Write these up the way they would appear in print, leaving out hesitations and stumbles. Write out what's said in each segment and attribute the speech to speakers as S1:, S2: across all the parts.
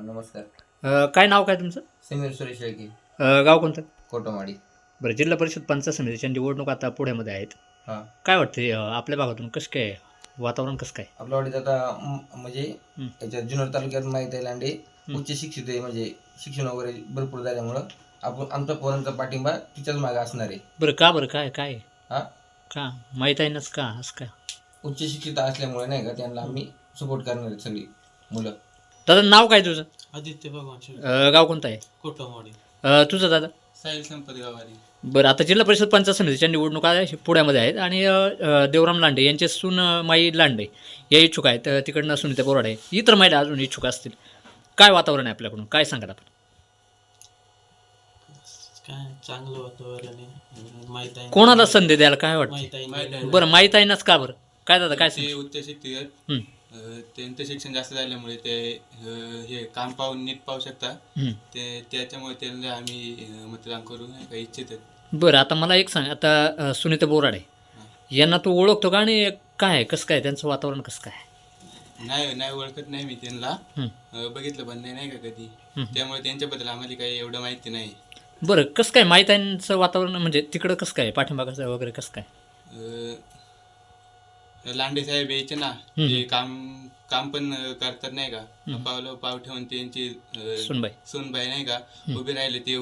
S1: नमस्कार.
S2: काय नाव काय तुमचं?
S1: समीर सुरेश शेळके,
S2: गाव कोणतं?
S1: कोटमाडी.
S2: बरं, जिल्हा परिषद पंचायत समितीच्या निवडणूक आता पुण्यामध्ये आहेत.
S1: हां,
S2: काय वाटते आपल्या भागातून कसं काय वातावरण कसं काय?
S1: आपल्या वाडीत आता म्हणजे
S2: हं,
S1: याच्यात जुन्नर तालुक्यात माहीत आहे लांडे
S2: हं.
S1: उच्च शिक्षित आहे, म्हणजे शिक्षण वगैरे भरपूर झाल्यामुळं आपण आमच्या पोरांचा पाठिंबा तिच्याच मागे असणार आहे.
S2: बरं काय काय
S1: हां,
S2: का माहीत आहे नाच का असं काय?
S1: उच्च शिक्षित असल्यामुळे नाही का त्यांना आम्ही सपोर्ट करणार आहेत सगळी मुलं.
S2: दादा नाव काय तुझं?
S3: आदित्य भगवान शेळके,
S2: गाव कोणतं आहे?
S3: कोटमवाडी.
S2: तुझं दादा?
S3: साहिल संपत गावारी.
S2: बरं, आता जिल्हा परिषद पंचायत समितीच्या निवडणुका पुण्यामध्ये आहेत आणि देवराम लांडे यांचे सून माई लांडे या इच्छुक आहेत. तिकडनं सुनीता बोराडे, इतर महिला अजून इच्छुक असतील. काय वातावरण आहे आपल्याकडून, काय सांगाल आपण?
S3: काय चांगलं वातावरण आहे. माहित आहे
S2: कोणाला संधी द्यायला काय वाटतं?
S3: माहित आहे.
S2: बरं, माहीत आहे नाच का बरं? काय दादा काय
S4: ते
S2: सांग?
S4: उच्च शिक्षित
S2: हं,
S4: त्यांचं शिक्षण जास्त झाल्यामुळे ते हे काम पाहून नीट पाहू शकता.
S2: हं.
S4: ते त्याच्यामुळे त्यांना आम्ही मतदान करू नाही का इच्छित आहेत.
S2: बरं, आता मला एक सांग, आता सुनीता बोराडे यांना तू ओळखतो का? आणि काय आहे, कसं काय त्यांचं वातावरण कसं काय?
S4: नाही नाही ओळखत नाही मी त्यांना.
S2: हं,
S4: बघितलं पण नाही का कधी.
S2: हं.
S4: त्यामुळे त्यांच्याबद्दल आम्हाला काही एवढं माहिती नाही.
S2: बरं, कसं काय माहीत आहे वातावरण, म्हणजे तिकडं कसं काय पाठिंबा कसं वगैरे कसं काय?
S4: लांडे साहेब यायचे ना,
S2: हं.
S4: ते काम काम पण करतात नाही का. पाव ठेवून त्यांची
S2: सुनबाई.
S4: सूनबाई नाही का उभे राहिले. ते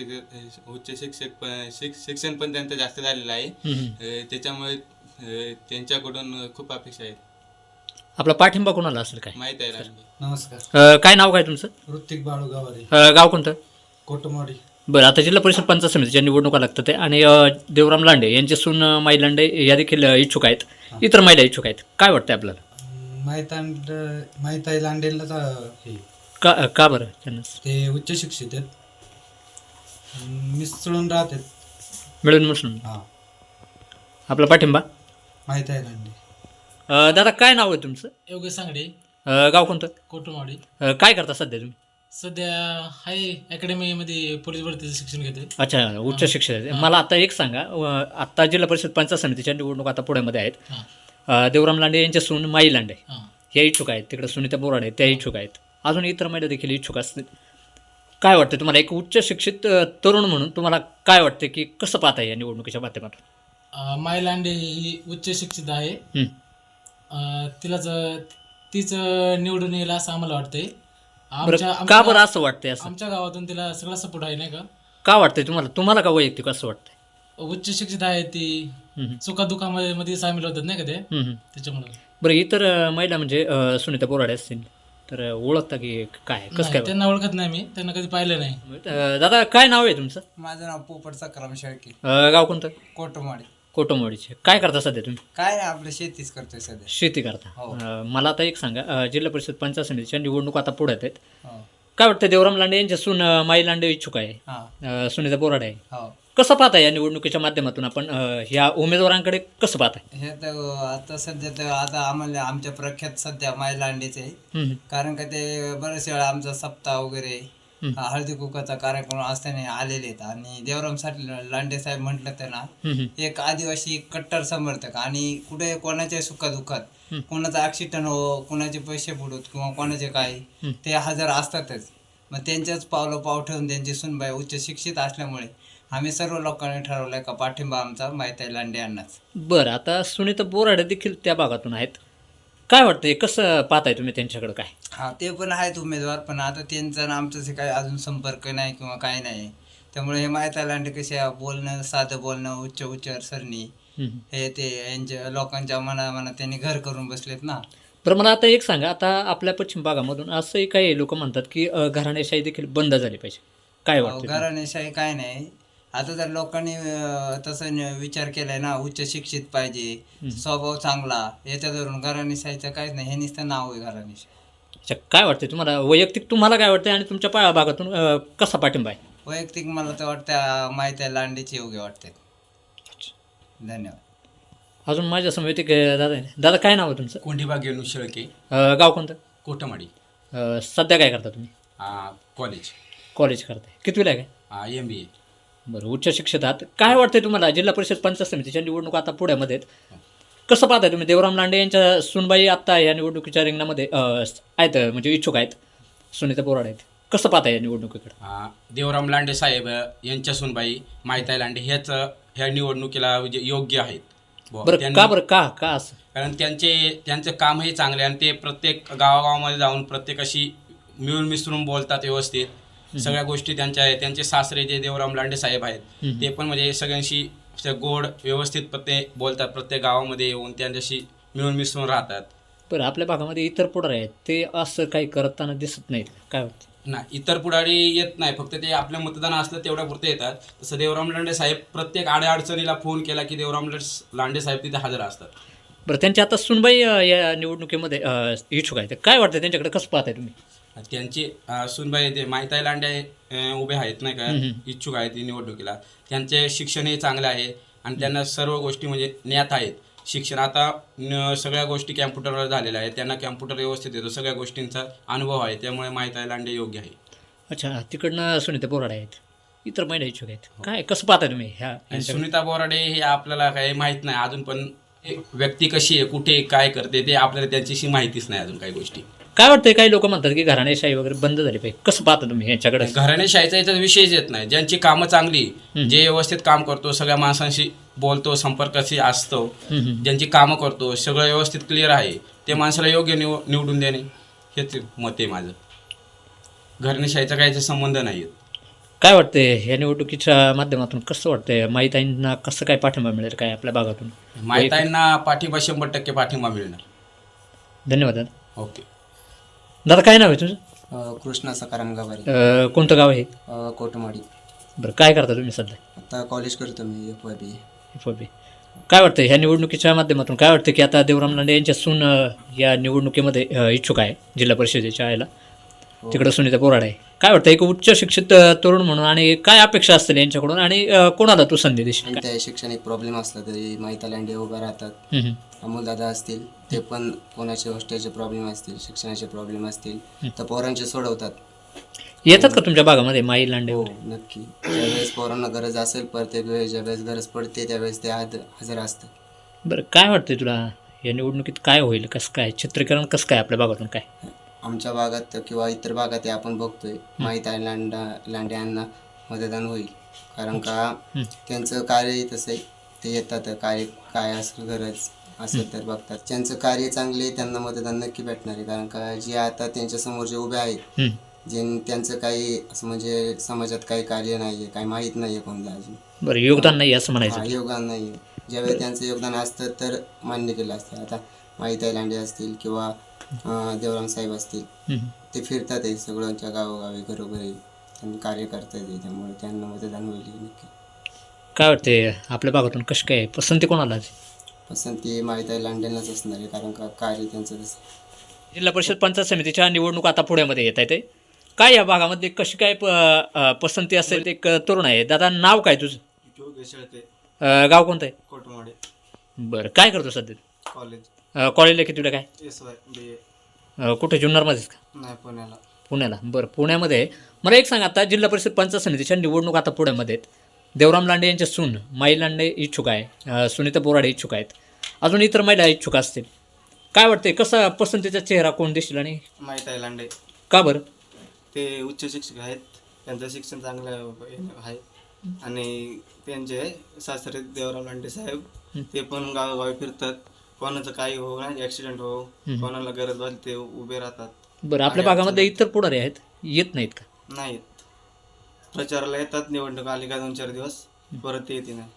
S4: शिक्षण पण त्यांचं जास्त झालेलं आहे.
S2: हं, हं.
S4: त्याच्यामुळे त्यांच्याकडून खूप अपेक्षा आहेत.
S2: आपला पाठिंबा कोणाला असेल काय?
S4: माहित आहे लांडे.
S3: नमस्कार.
S2: काय नाव काय तुमचं?
S3: ऋतिक बाळू गावारी,
S2: गाव कोणतं?
S3: कोटमवाडी.
S2: बरं, आता जिल्हा परिषद पंचायत समितीच्या निवडणुका लागतात आहे आणि देवराम लांडे यांचे सून माई लांडे या देखील इच्छुक आहेत. इतर महिला इच्छुक आहेत. काय वाटतं आपल्याला?
S3: माहित आहे लांडेलच हे
S2: का बरं त्यांना
S3: ते उच्च शिक्षित आहेत, मिसळून राहतात.
S2: मिळून मिसळून
S3: हा,
S2: आपला पाठिंबा?
S3: माहित आहे लांडे.
S2: दादा काय नाव आहे तुमचं?
S3: योगेश सांगडे,
S2: गाव कोणतं?
S3: कोटमवाडी.
S2: काय करता सध्या तुम्ही?
S3: सध्या हाय अकॅडमीमध्ये पोलीस भरतीचं शिक्षण घेतोय.
S2: अच्छा, उच्च शिक्षण आहे. मला आता एक सांगा, आत्ता जिल्हा परिषद पंचायत समितीच्या निवडणूक आता पुण्यामध्ये आहेत.
S3: हां
S2: देवराम लांडे यांचे सून माई लांडे
S3: हां.
S2: या इच्छुक आहेत. तिकडे सुनीता बोराडे त्या इच्छुक आहेत. अजून इतर महिला देखील इच्छुक असतील. काय वाटतं तुम्हाला, एक उच्च शिक्षित तरुण म्हणून तुम्हाला काय वाटतं की कसं पाहता या निवडणुकीच्या माध्यमातून?
S3: माय लांडे ही उच्च शिक्षित आहे.
S2: हं.
S3: तीच निवडून येईल असं आम्हाला वाटतंय.
S2: बरं, का बरं असं वाटतंय? असं
S3: आमच्या गावातून तिला सगळा सपोर्ट आहे नाही का.
S2: का वाटतंय तुम्हाला का वैयक्तिक असं वाटतंय?
S3: उच्च शिक्षित आहे ती,
S2: हं,
S3: सुखादुखामध्ये मध्ये सामील होतात नाही का ते,
S2: हं, हं.
S3: त्याच्यामुळे.
S2: बरं, इतर महिला म्हणजे सुनीता बोराडे असतील तर ओळखता की काय कसं
S3: नाही,
S2: काय?
S3: त्यांना ओळखत नाही मी, त्यांना कधी पाहिलं नाही.
S2: दादा काय नाव आहे तुमचं?
S5: माझं नाव पोपट सक्रम शेळके,
S2: गाव कोणतं?
S5: कोटमाडी.
S2: कोटमवाडीचे. काय करता सध्या तुम्ही?
S5: काय नाही, आपलं शेतीच करतोय सध्या.
S2: शेती करता.
S5: हो.
S2: मला आता एक सांगा, जिल्हा परिषद पंचायत समितीच्या निवडणूक आता पुढे आहेत.
S5: हो
S2: काय वाटतं, देवराम लांडे यांच्या सून माई लांडे इच्छुक आहे,
S5: हा
S2: सुनीता बोराडे आहे.
S5: हो.
S2: कसं पाहताय या निवडणुकीच्या माध्यमातून आपण ह्या उमेदवारांकडे कसं पाहताय?
S5: हे तर आता सध्या तर आता आम्हाला आमच्या प्रख्यात सध्या माय लांडेचे आहे.
S2: हं,
S5: कारण का ते बरेच वेळा आमचा सप्ताह वगैरे
S2: हं.
S5: हळदी कुकाचा कार्यक्रम असताना आलेले आहेत. आणि देवरामसाठी लांडे साहेब म्हटलं तर ना,
S2: हं, हं.
S5: एक आदिवासी कट्टर समर्थक. आणि कुठे कोणाच्या सुखादुखात
S2: हं.
S5: कोणाचं ॲक्सिडंट हो, कोणाचे पैसे बुडूत किंवा कोणाचे काय,
S2: हं.
S5: ते हजर असतातच. मग त्यांच्याच पावलं पाव ठेवून त्यांची सुनबाई उच्च शिक्षित असल्यामुळे आम्ही सर्व लोकांनी ठरवलंय का पाठिंबा आमचा माहिती लांडे यांनाच.
S2: बरं, आता सुनीता बोराडे देखील त्या भागातून आहेत. काय वाटतंय, कसं पाहताय तुम्ही त्यांच्याकडे काय?
S5: हा, ते पण आहेत उमेदवार, पण आता त्यांचा आणि आमचं काही अजून संपर्क नाही किंवा काय नाही. त्यामुळे हे माहिती लांडे कसे बोलणं, साधं बोलणं, उच्च उच्चारसरणी,
S2: हं, हं.
S5: हे ते यांच्या लोकांच्या मनात त्यांनी घर करून बसलेत ना.
S2: बरं, मला आता एक सांगा, आता आपल्या पश्चिम भागामधून असंही काही लोक म्हणतात की घराणेशाही देखील बंद झाली पाहिजे. काय वाटतं तुम्हाला?
S5: घराणेशाही काय नाही. आता जर लोकांनी तसं विचार केलाय ना, उच्च शिक्षित पाहिजे, स्वभाव चांगला, याच्या धरून घराणेशाहीचं काहीच नाही. हे नुसतं नाव आहे घराणेशाही.
S2: अच्छा, काय वाटतं तुम्हाला वैयक्तिक, तुम्हाला काय वाटतं आणि तुमच्या भागातून कसा पाठिंबा आहे?
S5: वैयक्तिक मला तर वाटतं माहिती लांडेची योग्य वाटते. धन्यवाद.
S2: अजून माझ्या समवेत एक दादा आहे. दादा काय नाव आहे तुमचं?
S6: कोंढीबाग येणू शेळके,
S2: गाव कोणतं?
S6: कोटमाडी.
S2: सध्या काय करता तुम्ही?
S6: कॉलेज,
S2: कॉलेज करताय. कितवीला आहे काय?
S6: MBA.
S2: बरं, उच्च शिक्षित आहात. काय वाटतंय तुम्हाला, जिल्हा परिषद पंचायत समितीच्या निवडणूक आता पुण्यामध्ये आहेत, कसं पाहताय तुम्ही? देवराम लांडे यांच्या सुनबाई आत्ता या निवडणुकीच्या रिंगणामध्ये आहेत, म्हणजे इच्छुक आहेत. सुनीता बोराडे आहेत. कसं पाहता या निवडणुकीकडे?
S6: देवराम लांडे साहेब यांच्या सुनबाई माहिताई लांडे ह्या निवडणुकीला म्हणजे योग्य आहेत
S2: बरं, का असं?
S6: कारण त्यांचं कामही चांगले आणि ते प्रत्येक गावागावामध्ये जाऊन प्रत्येकाशी मिळून मिसळून बोलतात व्यवस्थित. सगळ्या गोष्टी त्यांच्या आहेत. त्यांचे सासरे जे देवराम लांडे साहेब आहेत ते पण म्हणजे सगळ्यांशी गोड व्यवस्थित प्रत्येक बोलतात. प्रत्येक गावामध्ये येऊन त्यांच्याशी मिळून मिसळून राहतात.
S2: बरं, आपल्या भागामध्ये इतर पुढारी आहेत, ते असं काही करताना दिसत नाहीत, काय वाटतं?
S6: नाही, इतर पुढारी येत नाही, फक्त ते आपलं मतदान असलं तेवढ्या पुरते येतात. तसं देवराम लांडे साहेब प्रत्येक अडचणीला फोन केला की देवराम लांडे साहेब तिथे हजर असतात.
S2: बरं, त्यांची आता सुनबाई या निवडणुकीमध्ये इच्छुक आहेत. काय वाटतं त्यांच्याकडे, कसं पाहताय तुम्ही?
S6: त्यांची सुनबाई ते माहिताई लांडे उभे आहेत नाही का, इच्छुक आहेत ही निवडणुकीला. त्यांचे शिक्षणही चांगले आहे आणि त्यांना सर्व गोष्टी म्हणजे ज्ञात आहेत. शिक्षण आता सगळ्या गोष्टी कॅम्प्युटरवर झालेल्या आहेत. त्यांना कॅम्प्युटर व्यवस्थित येतो, सगळ्या गोष्टींचा अनुभव आहे. त्यामुळे माहिताई लांडे योग्य आहे.
S2: अच्छा, तिकडनं सुनीता बोराडे आहेत, इतर महिला इच्छुक आहेत. काय, कसं पाहता तुम्ही ह्या
S6: सुनीता बोराडे हे आपल्याला काही माहीत नाही अजून, पण व्यक्ती कशी आहे, कुठे काय करते ते आपल्याला त्यांच्याशी माहितीच नाही अजून काही गोष्टी.
S2: काय वाटतंय? काही लोक म्हणतात की घराणेशाही वगैरे बंद झाली पाहिजे. कसं पाहता तुम्ही यांच्याकडे?
S6: घराणेशाहीचा याचा विषयच येत नाही. ज्यांची कामं चांगली, जे व्यवस्थित काम करतो, सगळ्या माणसांशी बोलतो, संपर्काशी असतो, ज्यांची कामं करतो, सगळं व्यवस्थित क्लिअर आहे, ते माणसाला योग्य निवडून देणे हेच मत आहे माझं. घराणेशाहीचा काही संबंध नाही.
S2: काय वाटतंय या निवडणुकीच्या माध्यमातून, कसं वाटतंय माहिताईंना कसं काय पाठिंबा मिळेल काय आपल्या भागातून?
S6: माहिताईंना पाठिंबा 100% पाठिंबा मिळणार.
S2: धन्यवाद दादा.
S6: ओके
S2: दादा, काय नाव आहे तुझं?
S7: कृष्णा सकाराम गावारी,
S2: कोणतं गाव आहे?
S7: कोटमाडी.
S2: बरं, काय करता तुम्ही सध्या?
S7: आता कॉलेज करतो मी FYB.
S2: FYB. काय वाटतं ह्या निवडणुकीच्या माध्यमातून, काय वाटतं की आता देवराम लांडे यांच्या सून या निवडणुकीमध्ये इच्छुक आहे जिल्हा परिषदेच्या यायला, तिकडं सुनीता बोराडे आहे. काय वाटतं एक उच्च शिक्षित तरुण म्हणून, आणि काय अपेक्षा असतील यांच्याकडून, आणि कोणाला तू संधी देशील?
S7: आणि त्या शैक्षणिक प्रॉब्लेम असला तरी माहिती लांडे उभा राहतात. अमोलदादा असतील, ते पण कोणाचे हॉस्टेलचे प्रॉब्लेम असतील, शिक्षणाचे प्रॉब्लेम असतील तर पोरांचे सोडवतात.
S2: येतात का तुमच्या भागामध्ये माई लांडे?
S7: हो, नक्की. ज्यावेळेस पोरांना गरज असेल, प्रत्येक वेळेस ज्यावेळेस गरज पडते त्यावेळेस ते हजर असतात.
S2: बरं, काय वाटतंय तुला या निवडणुकीत काय होईल, कसं काय चित्रीकरण, कसं काय आपल्या भागातून? काय
S7: आमच्या भागात किंवा इतर भागात आपण बघतोय माहिती लांडे यांना मतदान होईल. कारण का त्यांचं कार्य तसं आहे, ते येतात, काय असेल गरज असेल तर बघतात. त्यांचं कार्य चांगले, त्यांना मतदान नक्की भेटणार आहे. कारण का जे आता त्यांच्या समोर जे उभे आहेत, जे त्यांचं काही असं म्हणजे समाजात काही कार्य नाही आहे, काही माहीत नाही आहे कोणाला अजून.
S2: बरं, योगदान नाही असं म्हणायचं?
S7: योगदान नाही आहे. ज्यावेळी त्यांचं योगदान असतं तर मान्य केलं असतं. आता माहिती लांडे असतील किंवा देवराम साहेब असतील, ते फिरतात आहे सगळ्यांच्या गावोगावी, घरोघरी त्यांनी कार्य करतात आहे, त्यामुळे त्यांना मतदान होईल नक्की.
S2: काय वाटते आपल्या भागातून कशी काय पसंती कोणाला?
S7: पसंती माहिती लांडेंनाच असणार आहे, कारण का कार्य त्यांचं तसं.
S2: जिल्हा परिषद पंचायत समितीच्या निवडणूक आता पुण्यामध्ये येत आहे, काय या भागामध्ये कशी काय पसंती असेल? एक तरुण आहे. दादा, नाव काय तुझं? गाव कोणतं आहे?
S8: कोटमाडे.
S2: बरं, काय करतो सध्या?
S8: कॉलेज.
S2: कॉलेजला किती तुला? काय
S8: SY BA.
S2: कुठे, जुन्नरमध्येच का?
S8: नाही, पुण्याला.
S2: पुण्याला. बरं, पुण्यामध्ये मला एक सांग, आता जिल्हा परिषद पंचायत समितीच्या निवडणूक आता पुण्यामध्ये आहेत. देवराम लांडे यांच्या सून माई लांडे इच्छुक आहे, सुनीता बोराडे इच्छुक आहेत, अजून इतर महिला इच्छुक असतील. काय वाटते कसा पसंतीचा चेहरा कोण दिसेल? आणि
S8: माहिती लांडे.
S2: का बरं?
S8: ते उच्च शिक्षक आहेत, त्यांचं शिक्षण चांगलं आहे, आणि त्यांचे सासरे देवराम लांडे साहेब ते पण गावोगावी फिरतात. कोणाचं काही हो नाही, ॲक्सिडेंट हो, कोणाला गरज भासली ते उभे राहतात.
S2: बरं, आपल्या भागामध्ये इतर पुढारी आहेत, येत नाहीत का?
S8: नाहीत, प्रचाराला येतात, निवडणूक आली का 2-4 दिवस, परत येते नाही.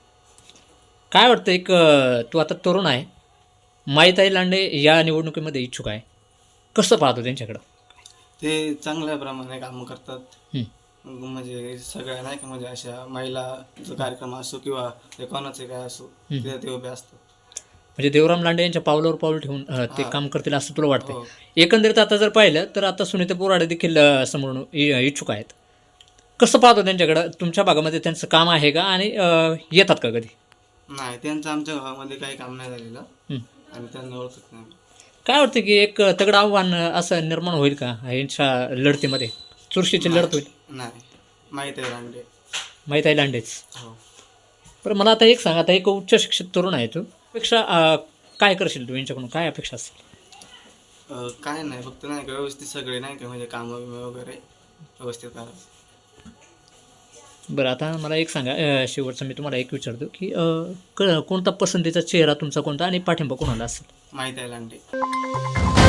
S2: काय वाटतं एक तू आता तरुण आहे, माईताई लांडे या निवडणुकीमध्ये इच्छुक आहे, कसं पाहतो त्यांच्याकडं?
S8: ते चांगल्या प्रमाणे कामं करतात. म्हणजे सगळ्या नाही का, म्हणजे अशा महिलाचा कार्यक्रम असो किंवा कोणाचे काय असो, तिथे ते उभे असतात.
S2: म्हणजे देवराम लांडे यांच्या पावलावर पाऊल ठेवून ते काम करतील असं तुला वाटतं? एकंदरीत आता जर पाहिलं तर आता सुनीता बोराडे देखील समोरून इच्छुक आहेत. कसं पाहतो त्यांच्याकडं? तुमच्या भागामध्ये त्यांचं काम आहे का, आणि येतात का कधी?
S8: नाही, त्यांचं आमच्या गावामध्ये काही काम नाही झालेलं, आणि त्यांना ओळखत नाही.
S2: काय वाटतं की एक तगडं आव्हान असं निर्माण होईल का यांच्या लढतीमध्ये? चुरशीची लढत होईल?
S8: नाही, माहिती लांडे.
S2: माहिती लांडेच.
S8: हो.
S2: बरं, मला आता एक सांग, आता एक उच्च शिक्षित तरुण आहे तू, पेक्षा काय करशील तू यांच्याकडून, काय अपेक्षा असेल?
S8: काय नाही, फक्त नाही का व्यवस्थित सगळे नाही का म्हणजे कामं बिमं वगैरे व्यवस्थित करावं.
S2: बरं, आता मला एक सांगा, शेवटचं मी तुम्हाला एक विचारतो की कोणता पसंतीचा चेहरा तुमचा कोणता आणि पाठिंबा कोणाला असेल?
S8: माहीत आहे लांडे.